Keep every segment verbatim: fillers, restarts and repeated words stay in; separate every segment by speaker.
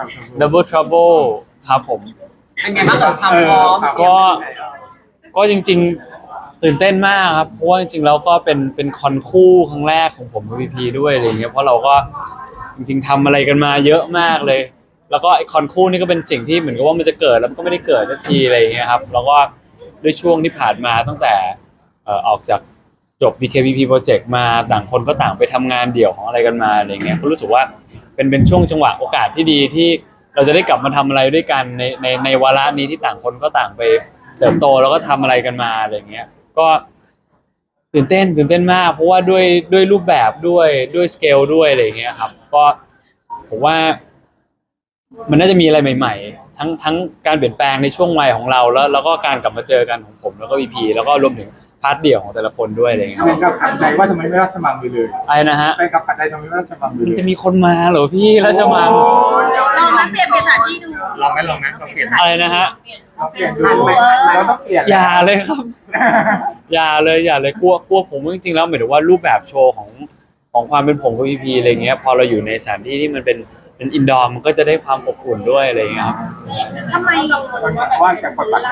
Speaker 1: Double Trouble ครับผม
Speaker 2: เป็นไงบ้างกับความพร้อม
Speaker 1: ก็ก็จริงๆตื่นเต้นมากครับเพราะว่าจริงๆแล้วก็เป็นเป็นคอนคู่ครั้งแรกของผมกับพีพีด้วยอะไรเงี้ยเพราะเราก็จริงๆทำอะไรกันมาเยอะมากเลยแล้วก็ไอคอนคู่นี่ก็เป็นสิ่งที่เหมือนกับว่ามันจะเกิดแล้วมันก็ไม่ได้เกิดสักทีอะไรเงี้ยครับแล้วก็ด้วยช่วงที่ผ่านมาตั้งแต่เอ่อออกจากจบ บี เค พี พี Project มาต่างคนก็ต่างไปทำงานเดี่ยวของอะไรกันมาอะไรเงี้ยก็รู้สึกว่าเป็นเป็นช่วงจังหวะโอกาสที่ดีที่เราจะได้กลับมาทำอะไรด้วยกันในในในวาระนี้ที่ต่างคนก็ต่างไปเติบโตแล้วก็ทำอะไรกันมาอะไรเงี้ยก็ตื่นเต้นตื่นเต้นมากเพราะว่าด้วยด้วยรูปแบบด้วยด้วยสเกลด้วยอะไรเงี้ยครับก็ผมว่ามันน่าจะมีอะไรใหม่ๆทั้งทั้งการเปลี่ยนแปลงในช่วงวัยของเราแล้วแล้วก็การกลับมาเจอกันของผมแล้วก็วีพีแล้วก็รวมถึงพาร์ทเดี่ยวของแต่ละคนด้วยอะไรเงี้ย
Speaker 3: เป็นกับขัดใจว่าทำไมไม่ราชมังไปเลย
Speaker 1: อะไรนะฮะ
Speaker 3: เป็นกับขัดใจทำไมไม่ราชมังไปเลย
Speaker 1: จะมีคนมาเหรอพี่ราชมัง
Speaker 4: ลองมาเปลี่ยนเปลี่ยนสถานที่ดู
Speaker 3: ลองไหมลองไหมลองเปลี่ยน
Speaker 1: อะไรนะฮะ
Speaker 3: เราเปลี่ยนดูเราต้องเปลี่ยน
Speaker 1: อย่าเลยครับอย่าเลยอย่าเลยกลัวกลัวผมจริงๆแล้วหมายถึงว่ารูปแบบโชว์ของของความเป็นผมกับพีพีอะไรเงี้ยพอเราอยู่ในสถานที่ที่มันเป็นเป็นอินดอร์มันก็จะได้ความอบอุ่นด้วยอะไรเงี้ยครับ
Speaker 4: ทำไม
Speaker 3: ว่าจะกดบัตร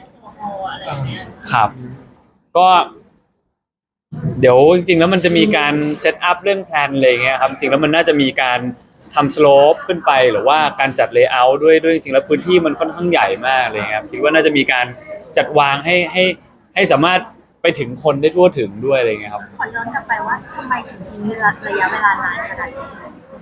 Speaker 1: ครับก็เดี๋ยวจริงๆแล้วมันจะมีการเซตอัพเรื่องแพลนอะไรเงี้ยครับจริงๆแล้วมันน่าจะมีการทำสโลปขึ้นไปหรือว่าการจัดเลเยอร์ด้วยด้วยจริงๆแล้วพื้นที่มันค่อนข้างใหญ่มากเลยครับคิดว่าน่าจะมีการจัดวางให้ให้ให้สามารถไปถึงคนได้ทั่วถึงด้วยอะไรเงี้ยครับ
Speaker 4: ขอย้อนกลับไปว่าทำไมถึงทิ้งระยะเวลานานขนาดนี้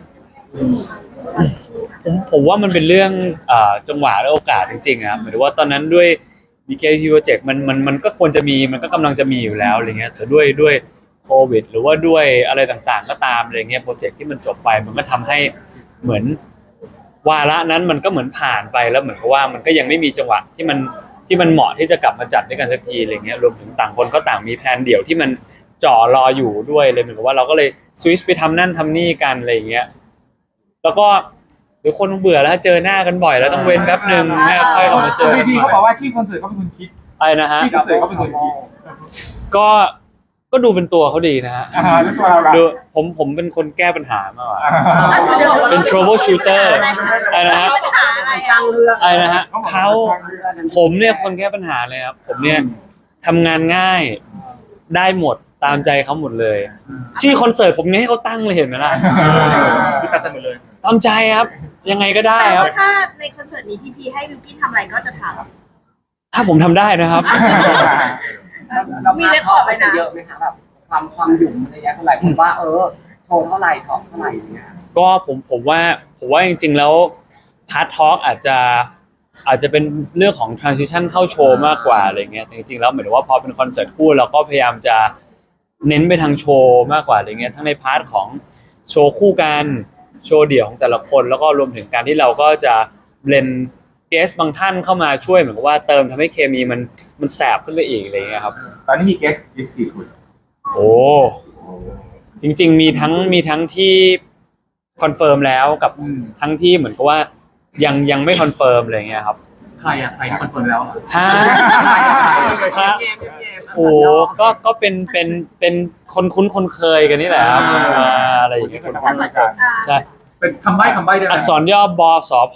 Speaker 1: ผมผมว่ามันเป็นเรื่องอ่าจังหวะและโอกาสจริงๆครับหมายถึงว่าตอนนั้นด้วย บี เค พี Project มันมันมันก็ควรจะมีมันก็กำลังจะมีอยู่แล้วอะไรเงี้ยแต่ด้วยด้วยโควิดหรือว่าด้วยอะไรต่างๆก็ตามอะไรเงี้ยโปรเจกต์ที่มันจบไปมันก็ทำให้เหมือนวาระนั้นมันก็เหมือนผ่านไปแล้วเหมือนกับว่ามันก็ยังไม่มีจังหวะที่มันที่มันเหมาะที่จะกลับมาจัดด้วยกันสักทีอะไรเงี้ยรวมถึงต่างคนก็ต่างมีแพลนเดี่ยวที่มันจ่อรออยู่ด้วยเลยเหมือนกับว่าเราก็เลยสวิชไปทำนั่นทำนี่กันอะไรเงี้ยแล้วก็เดี๋ยวคนเบื่อแล้วเจอหน้ากันบ่อยแล้วต้องเว้นแป๊บนึงแม่ค่อยกลับมาเจอ
Speaker 3: พี่พี่เขาบอกว่าที่คอนเสิร์ตเขาเป็นคนคิด
Speaker 1: อะไรนะฮะ
Speaker 3: ที่คอนเสิร์ตเขาเป็นคนคิด
Speaker 1: ก็ก็ดูเป็นตัวเขาดีนะฮะดูผมผมเป็นคนแก้ปัญหามากกว่าเป็น trouble shooter อะไรนะฮะอะไรนะฮะเขาผมเนี่ยคนแก้ปัญหาเลยครับผมเนี่ยทำงานง่ายได้หมดตามใจเขาหมดเลยชื่อคอนเสิร์ตผมเนี่ยให้เขาตั้งเลยเห็นไหมล่ะ
Speaker 3: คือตัดใจหมดเลย
Speaker 1: ตามใจครับยังไงก็ได้ครับ
Speaker 4: ถ้าในคอนเสิร์ตนี้พี่พีให้บิวกิ้นทำอะไรก็จะทำ
Speaker 1: ถ้าผมทำได้นะครับ
Speaker 2: มีเลคคอร์ดไปนะเยอะไหมคะแบบความความหยุ่มอะไรเงี้ยเท่าไหร่ผมว่าเออโชว์เท่าไหร่ทอล์กเท่าไหร่เงี้ย
Speaker 1: ก็ผมผมว่าผมว่าจริงๆแล้วพาร์ททอล์กอาจจะอาจจะเป็นเรื่องของ transition เข้าโชว์มากกว่าอะไรเงี้ยจริงๆแล้วหมายถึงว่าพอเป็นคอนเสิร์ตคู่เราก็พยายามจะเน้นไปทางโชว์มากกว่าอะไรเงี้ยทั้งในพาร์ทของโชว์คู่กันโชว์เดี่ยวของแต่ละคนแล้วก็รวมถึงการที่เราก็จะเบลนเกสบางท่านเข้ามาช่วยเหมือนกับว่าเติมทำให้เคมีมันมันแสบขึ้นไปอีกอะไรเงี้ยครับ
Speaker 3: ตอนนี้มีเกสอีกสี่คน
Speaker 1: โอ้จริงๆมีทั้งมีทั้งที่คอนเฟิร์มแล้วกับทั้งที่เหมือนกับว่ายังยังไม่คอนเฟิร์มอะไรเงี้ยครับ
Speaker 2: ใครอะใครคอนเฟิร์มแล้ว
Speaker 1: ฮะฮะโอ้ก็ก็เป็นเป็นเป็นคนคุ้นคนเคยกันนี่แหละครับอะไรอย่างเงี้ยใช่
Speaker 3: เป็นคำใบ้คำใบ้ด้วย
Speaker 1: อักษรย่อบสพ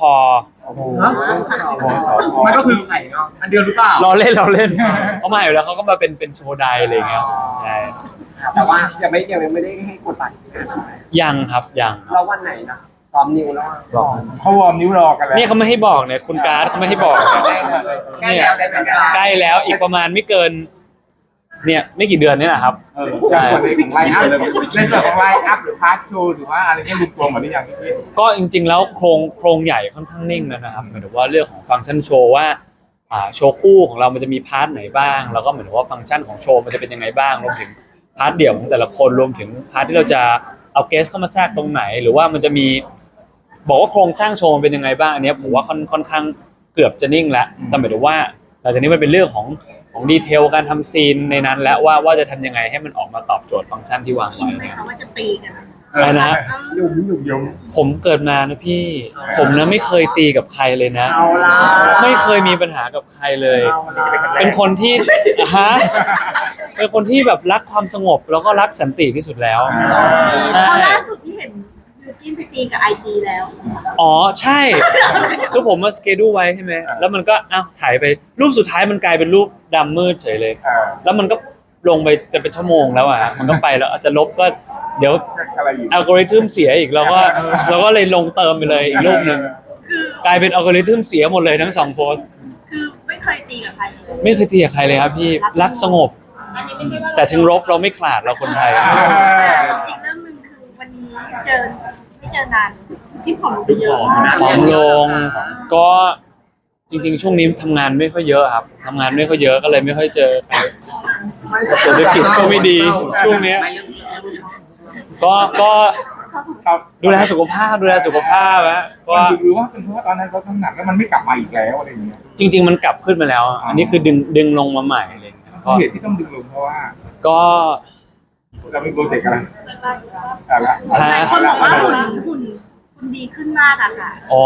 Speaker 2: มันก็คือไงเนาะอันเดียวหรือเปล่า
Speaker 1: เราเล่นเราเล่นเขามาอยู่แล้วเขาก็มาเป็นเป็นโชว์ไดอะไรเงี้ยใช่
Speaker 2: แต่ว่ายังไม่ยังไม่ได้ให้กดบัตรใช่ไหม
Speaker 1: ยังครับยัง
Speaker 2: เราวันไหนนะซ้อมนิ้วแล้ว
Speaker 3: เขาวอร์มนิ้วรอกันแล้ว
Speaker 1: นี่เขาไม่ให้บอกเนี่ยคุณการ์ดเขาไม่ให้บอกเนี่ยใกล้แล้วอีกประมาณไม่เกินเนี่ยไม่กี่เดือนนี่แหละครับ
Speaker 3: ในส่วนของไลน์อัพในส่วนของไลน์อัพหรือพาร์ทโชว์หรือว่าอะไรเงี้ยรวมตัวหมดหรือยังพี่
Speaker 1: ก็จริงๆแล้วโครงโครงใหญ่ค่อนข้างนิ่งแล้วนะครับหมายถึงว่าเรื่องของฟังก์ชันโชว์ว่าอ่าโชว์คู่ของเรามันจะมีพาร์ทไหนบ้างแล้วก็หมายถึงว่าฟังก์ชันของโชว์มันจะเป็นยังไงบ้างรวมถึงพาร์ทเดี่ยวของแต่ละคนรวมถึงพาร์ทที่เราจะเอาเกสเข้ามาแทรกตรงไหนหรือว่ามันจะมีบอกว่าโครงสร้างโชว์มันเป็นยังไงบ้างอันนี้ผมว่าค่อนค่อนข้างเกือบจะนิ่งแล้วแต่หมายถึงว่าหลังจากนี้มันเป็นเรื่องของของดีเทลการทำซีนในนั้นแล้วว่าว่าจะทำยังไงให้มันออกมาตอบโจทย์ฟังก์ชันที่วางไว้
Speaker 4: เนี่ยเขาว่าจะตีกัน
Speaker 1: อะไรนะ
Speaker 3: ยุ่งยุ่งยุ่ง
Speaker 1: ผมเกิดมานะพี่ผมนะไม่เคยตีกับใครเลยนะไม่เคยมีปัญหากับใครเลยเป็นคนที่ฮะเป็นคนที่แบบรักความสงบแล้วก็รักสันติที่สุดแล้ว
Speaker 4: ใช่ล่าสุดที่เห็นบิวกิ้นไปตีกับไอจีแล้ว
Speaker 1: อ๋อใช่ คือผมมาสเกดูไว้ใช่ไหมแล้วมันก็อ้าวถ่ายไปรูปสุดท้ายมันกลายเป็นรูปดำมืดเฉยเลย
Speaker 3: เออ
Speaker 1: แล้วมันก็ลงไปจะเป็นชั่วโมงแล้วอ่ะมันก็ไปแล้วอาจจะลบก็เดี๋ยว
Speaker 3: อะไรอยู่
Speaker 1: อัลกอริทึมเสียอีกเราก็เราก็เลยลงเติมไปเลยอีกรูปหนึ่ง
Speaker 4: คือก
Speaker 1: ลายเป็นอัลกอริทึมเสียหมดเลยทั้งสองโพสต์
Speaker 4: คือไม่เคยตีกับใครเลย
Speaker 1: ไม่เคยตีกับใครเลยครับพี่รักสงบ แต่ถึงรบเราไม่ขลาดเราคนไทย
Speaker 4: แต่อีกเรื่องหนึ่งคือวันนี้เจอไม่เจอนานที่ผมดูเยอะมาก
Speaker 1: ผอมลงก็จริง ๆ ช่วงนี้ทำงานไม่ค่อยเยอะครับทำงานไม่ค่อยเยอะก็เลยไม่ค่อยเจอใครเศรษฐกิจก็ไม่ดีช่วงเนี้ย ก็ก็
Speaker 3: ครับ
Speaker 1: ดูแลสุขภาพดูแลสุขภาพนะก็
Speaker 3: มันหรือว่าเป็นเพราะว่าตอนนั้นลดน้ำหนักแล้วมันไม่กลับมาอีกแล้วอะไรอย่างเงี้ย
Speaker 1: จริง ๆ มันกลับขึ้นมาแล้ว อันนี้คือดึงดึงลงมาใหม่อะไรอย่างเงี้ยก็
Speaker 3: เหตุที่ต้องดึงลงเพราะว่า
Speaker 1: ก็
Speaker 3: เรามีโปรเจกต์อะไรอะไรละ
Speaker 4: หลายคนบอกว่าหุ่นหุ่นหุ่นดีขึ้นมากอะค่ะ
Speaker 1: อ๋อ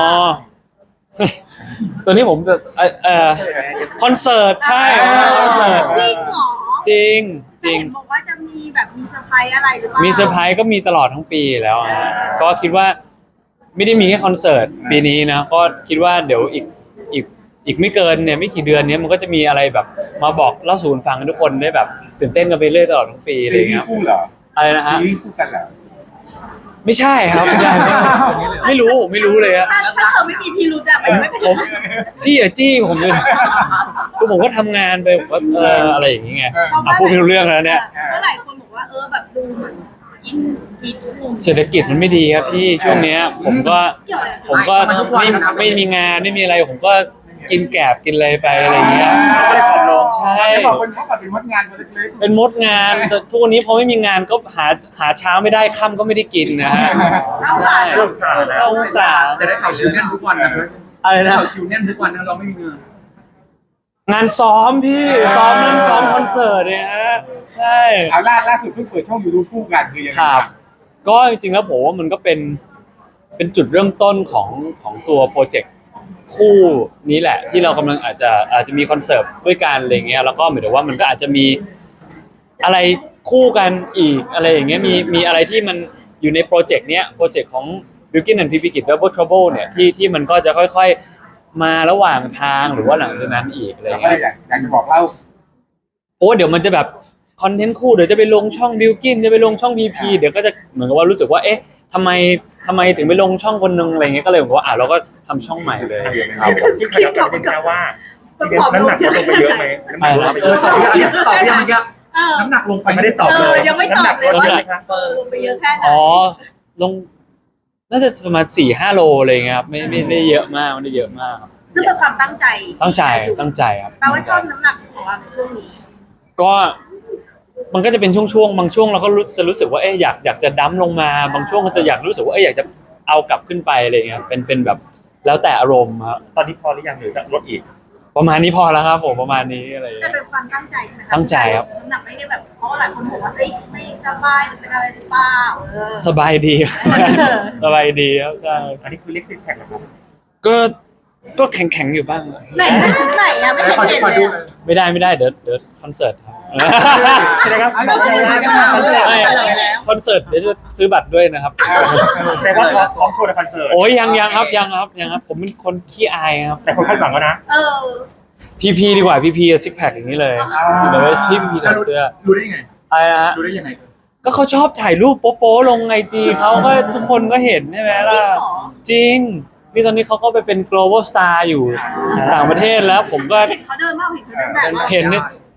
Speaker 1: ตัวนี้ผมจะเอ่อเอ่อคอนเสิร์ตใช่คอนเสิร์ต
Speaker 4: จริงเหรอ
Speaker 1: จริงจ
Speaker 4: แต่
Speaker 1: ริง
Speaker 4: เห็นบอกว่าจะมีแบบมีเซอร์ไพรส์อะไรหรือเปล่า
Speaker 1: มี
Speaker 4: มี
Speaker 1: เซอร์ไพรส์ก็มีตลอดทั้งปีแล้วอะก็คิดว่าไม่ได้มีแค่คอนเสิร์ตปีนี้นะก็คิดว่าเดี๋ยวอีกอีกอีกไม่เกินเนี่ยไม่กี่เดือนเนี้ยมันก็จะมีอะไรแบบมาบอกเล่าสู่กันฟังให้ทุกคนได้แบบตื่นเต้นกันไปเรื่อยตลอดทั้งปีอะไร
Speaker 3: ซี
Speaker 1: อย่าง
Speaker 3: รี
Speaker 1: เงี้ย
Speaker 3: ส์คู่เหรอ
Speaker 1: อะไรนะ
Speaker 3: ซี
Speaker 1: ฮะ
Speaker 3: รีส์คู่กันเหรอ
Speaker 1: ไม่ใช่ครับไม่ใช่ไม่รู้ไม่รู้เลยอะ
Speaker 4: ถ้าถ้าเธอไม่มีพิรุธอะมันไม่เป็น
Speaker 1: ผมพี่อย่าจี้ผมเลยคือผมก็ทำงานไปผมก็เอออะไรอย่างเงี้ย อ่ะพูดไม่รู้เรื่องแล้วเนี่ย
Speaker 4: ก็หลายคนบอกว่าเออแบบดูเหมือนอินฟิตหุ่น
Speaker 1: เศรษฐกิจมันไม่ดีครับพี่ช่วงเนี้ย ผมก็
Speaker 4: เกี่ยวอะไร
Speaker 1: ผมก็ไม่ไม่มีงานไม่มีอะไรผมก็กินแกบกินอะไรไปอะไรอย่างเงี้ย
Speaker 3: ก็เลยผอมลง
Speaker 1: ใช่
Speaker 3: จะบอกเป็นเพราะแบบเป็นวัดงานตัวเล็ก
Speaker 1: เป็นมดงานแต่ทุกวันนี้พอไม่มีงานก็หาหาเช้าไม่ได้ค่ำก็ไม่ได้กินนะฮะ
Speaker 4: เอาสา
Speaker 1: ใช่
Speaker 4: ร
Speaker 3: ๆเริ่มสาแล้ว
Speaker 1: เอาสาร
Speaker 3: จะได้ข่าวคิวแน่นทุกวันนะครับ
Speaker 1: อะไรนะ
Speaker 3: คิวแน่นทุกวันนะเราไม่มีเงิน
Speaker 1: งานซ้อมพี่ซ้อมนั่นซ้อมคอนเสิร์ตเนี่ยฮะใช่
Speaker 3: เอาล่าล่าสุดเพิ่งเปิดช่องยูทูบคู่กันคือยังไง
Speaker 1: ครับ ก็จริงๆแล้วผมว่ามันก็เป็นเป็นจุดเริ่มต้นของของตัวโปรเจกต์คู่นี้แหละ ที่เรากำลังอาจจะอาจจะมีคอนเสิร์ตด้วยกันอะไรเงี้ยแล้วก็หมายถึงว่ามันก็อาจจะมีอะไรคู่กันอีกอะไรอย่างเงี้ยมีมีอะไรที่มันอยู่ในโปรเจกต์เนี้ยโปรเจกต์ของ Bilkin and พี พี Kid Double Trouble เนี่ยที่ที่มันก็จะค่อยๆมาระหว่างทางหรือว่าหลังจากนั้นอีกอะไร
Speaker 3: เราก็
Speaker 1: เงี้ย
Speaker 3: อยากอยากจะบอกเล่า
Speaker 1: เพราะว่าเดี๋ยวมันจะแบบคอนเทนต์คู่เดี๋ยวจะไปลงช่องบิลกินจะไปลงช่อง พี พี เดี๋ยวก็จะเหมือนกับว่ารู้สึกว่าเอ๊ะทำไมทำไมถึงไปลงช่องคนนึงอะไรเงี้ยก็เลยบอกว่าอ่ะเราก็ทำช่องใหม่เลยครับผม
Speaker 5: ที่เคยตอบเป็นแค่ว่า
Speaker 4: เป็น
Speaker 5: น้ำหนักลงไปเยอะไหมน้ำหนักลงไปเยอะ
Speaker 3: ตอบยังตอบยังเยอะ
Speaker 4: เออ
Speaker 3: น้ำหนักลงไป
Speaker 5: ไม่ได้ตอบ
Speaker 4: เอ
Speaker 5: เล
Speaker 4: อย ยังไม่ตอบเลยว่า
Speaker 5: น้ำหนักลงไปไหมคะ
Speaker 4: เออลงไปเยอะแค่ไหน
Speaker 1: อ๋อลงน่าจะประมาณสี่ห้าโลอะไรเงี้ยครับไม่ไม่ไม่ได้เยอะมากไม่ได้เยอะมากครับ
Speaker 4: ซึ่งเป็นความตั้งใจ
Speaker 1: ตั้งใจตั้งใจครับ
Speaker 4: แปลว่าชอบน้ำหนักของเราในช่วงนี้
Speaker 1: ก็มันก็จะเป็นช่วงๆบางช่วงเราก็รู้จะรู้สึกว่าเอ๊ะอยากอยากจะดั้มลงมาบางช่วงก็จะอยากรู้สึกว่าเอ๊ะอยากจะเอากลับขึ้นไปอะไรเงี้ยเป็นเป็นแบบแล้วแต่อารมณ์ครับ
Speaker 5: ตอนนี้พอหรือยังหรือจะลดอีก
Speaker 1: ประมาณนี้พอแล้วครับผมประมาณนี้อะไร
Speaker 4: แต่
Speaker 1: เงี้ย
Speaker 4: เป็นความตั้งใจใช่ไหมะ
Speaker 1: ตั้งใจครับ
Speaker 4: น้ำหนักไม่ได้แบบเพราะว่าหลายคนบอกว่าเอ้ยไม่สบายหรือเป็นอะไรหรือเปล่าเออ
Speaker 1: สบายดีครับสบายดีครับใช่
Speaker 5: อันนี้คือเล็กซิกแพคนะครับ
Speaker 1: ก็ก็แข็งแข็งๆอยู่บ้าง
Speaker 4: ไหนนะไหนนะไม่เห็นเห็นเลยอะ
Speaker 1: ไม่ได้ไม่ได้เดี๋ยวเดี๋ยวคอนเสิร์ตครับ
Speaker 5: ใช่ไหมครับ
Speaker 3: เอาไม่ได้ไม่ได้
Speaker 1: ไม่คอนเสิร์ตเดี๋ยวจะซื้อบัตรด้วยนะครับ
Speaker 5: แต่ว่าพร้อมโชว์ในคอนเสิร์ต
Speaker 1: โอ้ยยังยังครับยังครับยังครับ ผมเป็นคนขี้อายครับ
Speaker 5: แต่คนคาดหวังแล้วนะ
Speaker 4: เออ
Speaker 1: พีพีดีกว่าพีพีซิกแพคอย่างนี้เลยเดี๋ยวไปพี่พีพีถอดเสื้อ
Speaker 3: รู้ได้ยังไง
Speaker 1: อะไรนะฮะ
Speaker 3: รู้ได้ยังไง
Speaker 1: ก็เขาชอบถ่ายรูปโป๊ะๆลงไอจีเขาก็ทุกคนก็เห็นใช่ไหม
Speaker 4: จริ
Speaker 1: ล่ะ
Speaker 4: งเหรอ
Speaker 1: จริงนี่ตอนนี้เขาก็ไปเป็น global star อยู่ต่างประเทศแล้ว ผมก็
Speaker 4: เห็นเขาเดินมาเห็นเขาเดินแบบว่า
Speaker 1: เห็นเนี่ย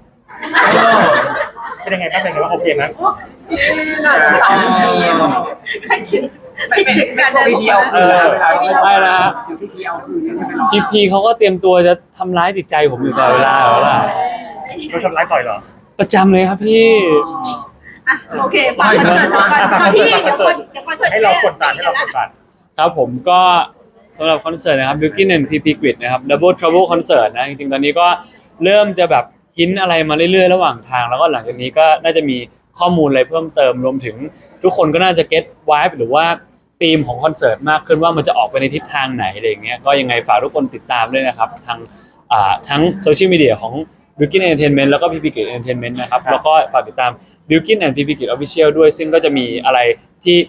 Speaker 5: เป็นยังไงบ้างเป็นยังไงบ้างโอเคนะ
Speaker 2: สองทีม
Speaker 4: ให้คิดให้คิดการเดิน
Speaker 2: พีพีเอา
Speaker 1: เอ
Speaker 2: คืน
Speaker 1: อไม่นะฮะ
Speaker 2: อยู่พีพีเอาคืนไม่ไปรอ
Speaker 1: พีพีเขาก็เตรียมตัวจะทำร้ายจิตใจผมอยู่ตลอดเวลาแล้วล่ะ
Speaker 5: โดนทำร้ายต่อยเหรอ
Speaker 1: ประจำเลยครับพี่
Speaker 4: อ่ะโอเคฝากคอนเสิร์ตก่อนก่อนที่เดี๋ยวคนเดี๋ยวคอนเสิร์ต
Speaker 5: ให้เรากดดันให้เรากดดัน
Speaker 1: ครับผมก็สำหรับคอนเสิร์ตนะครับ Bilkin and พี พี Grid นะครับ Double Trouble Concert นะจริงๆตอนนี้ก็เริ่มจะแบบหินอะไรมาเรื่อยๆระหว่างทาง แล้วก็หลังจากนี้ก็น่าจะมีข้อมูลอะไรเพิ่มเติมรวมถึงทุกคนก็น่าจะ get vibe หรือว่าธีมของคอนเสิร์ตมากขึ้นว่ามันจะออกไปในทิศทางไหนอะไรอย่างเงี้ยก็ยังไงฝากทุกคนติดตามด้วยนะครับทางอ่าทั้งโซเชียลมีเดียของ Bilkin Entertainment แล้วก็ พี พี Grid Entertainment นะครับแล้วก็ฝากติดตาม Bilkin and พี พี Grid Official ด้วยซึ่งก็จะมีอะไรที่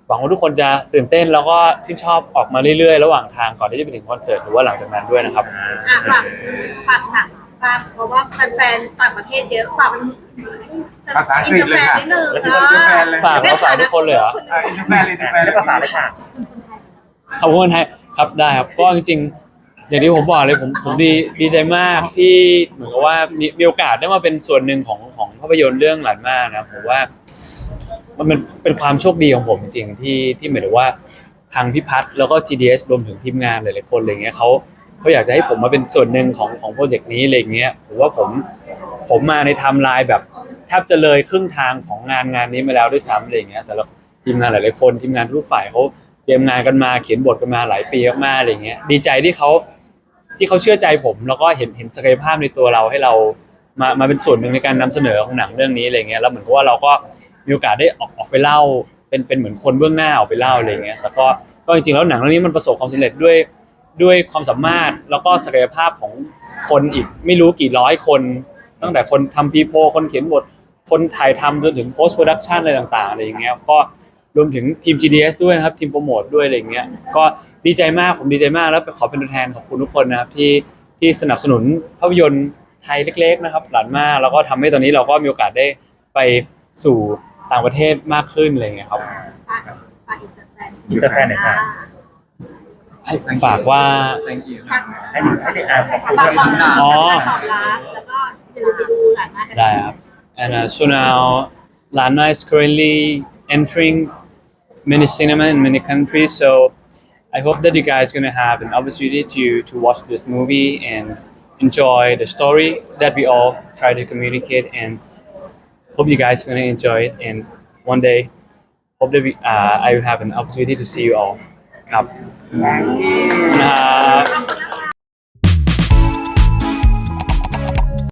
Speaker 1: หวังว่าทุกคนจะตื่นเต้นแล้วก็ชื่นชอบออกมาเรื่อยๆระหว่างทางก่อนที่จะไปถึงคอนเสิร์ตหรือว่าหลังจากนั้นด้วยนะครับ
Speaker 4: อ่ะฝากฝากหนังฝากเพราะว่าแฟนๆต่างประเทศเยอะฝากเป็น
Speaker 3: ภาษาอังกฤษเลยค่ะ
Speaker 4: อินเตอร์แฟนนิดนึง
Speaker 3: อินเตอร์แฟนเลย
Speaker 1: ฝากภาษาทุกคนเลยเหรอ
Speaker 3: อ่ะอินเตอร์แฟนเลยอินเตอร์แฟน
Speaker 5: ได้ภาษาเลยค่ะ
Speaker 1: ขอบคุณไทยครับได้ครับก็จริงๆอย่างที่ผมบอกเลยผมผมดีดีใจมากที่เหมือนกับว่ามีมีโอกาสได้มาเป็นส่วนหนึ่งของของภาพยนตร์เรื่องหลานมากนะผมว่ามันเป็นเป็นความโชคดีของผมจริงๆที่ที่เหมือนกับว่าทางพี่พัฒน์แล้วก็ จี ดี เอส รวมถึงทีมงานหลายๆคนอะไรเงี้ยเขาเขาอยากจะให้ผมมาเป็นส่วนหนึ่งของของโปรเจกต์นี้อะไรเงี้ยผมว่าผมผมมาในไทม์ไลน์แบบแทบจะเลยครึ่งทางของงานงานนี้มาแล้วด้วยซ้ำอะไรเงี้ยแต่ละทีมงานหลายๆคนทีมงานทุกฝ่ายเขาเตรียมงานกันมาเขียนบทกันมาหลายปีมากๆอะไรเงี้ยดีใจที่เขาที่เขาเชื่อใจผมแล้วก็เห็นเห็นศักยภาพในตัวเราให้เรามามาเป็นส่วนหนึ่งในการนำเสนอของหนังเรื่องนี้อะไรเงี้ยแล้วเหมือนกับว่าเราก็มีโอกาสได้ออกออกไปเล่าเป็นเป็นเหมือนคนเบื้องหน้าออกไปเล่าอะไรเงี้ยแล้วก็ก็จริงๆแล้วหนังเรื่องนี้มันประสบความสำเร็จด้วยด้วยความสามารถแล้วก็ศักยภาพของคนอีกไม่รู้กี่ร้อยคนตั้งแต่คนทำพีโพคนเขียนบทคนถ่ายทำจนถึง post production อะไรต่างๆอะไรอย่างเงี้ยก็รวมถึงทีม จี ดี เอส ด้วยนะครับทีมโปรโมทด้วยอะไรอย่างเงี้ยก็ดีใจมากผมดีใจมากแล้วขอเป็นตัวแทนขอบคุณทุกคนนะครับที่ที่สนับสนุนภาพยนตร์ไทยเล็กๆนะครับหลานมากแล้วก็ทำให้ตอนนี้เราก็มีโอกาสได้ไปสู่ต่างประเทศมากขึ้นอะไรอย่างเงี้ยครับ
Speaker 4: ฝากฝากอินเตอร์แฟน
Speaker 5: อินเตอร์แฟนหน่อยค่ะ
Speaker 1: ให้ฝากว่า
Speaker 3: thank you
Speaker 4: ฝาก
Speaker 5: ให้หนูให้เด็กอ่านขอบคุณ
Speaker 4: ฝากความ
Speaker 5: ค่ะ
Speaker 1: อ๋อ
Speaker 4: ตอบรับแล้วก็อย่าลืมไปดูหลานมากกัน
Speaker 1: ได้ครับ and uh, so now Lana is currently entering many cinema in many countries so I hope that you guys gonna have an opportunity to to watch this movie and enjoy the story that we all try to communicate and hope you guys gonna enjoy it and one day hope that we uh, I will have an opportunity to see you all ครับ
Speaker 2: Thank you
Speaker 1: นะ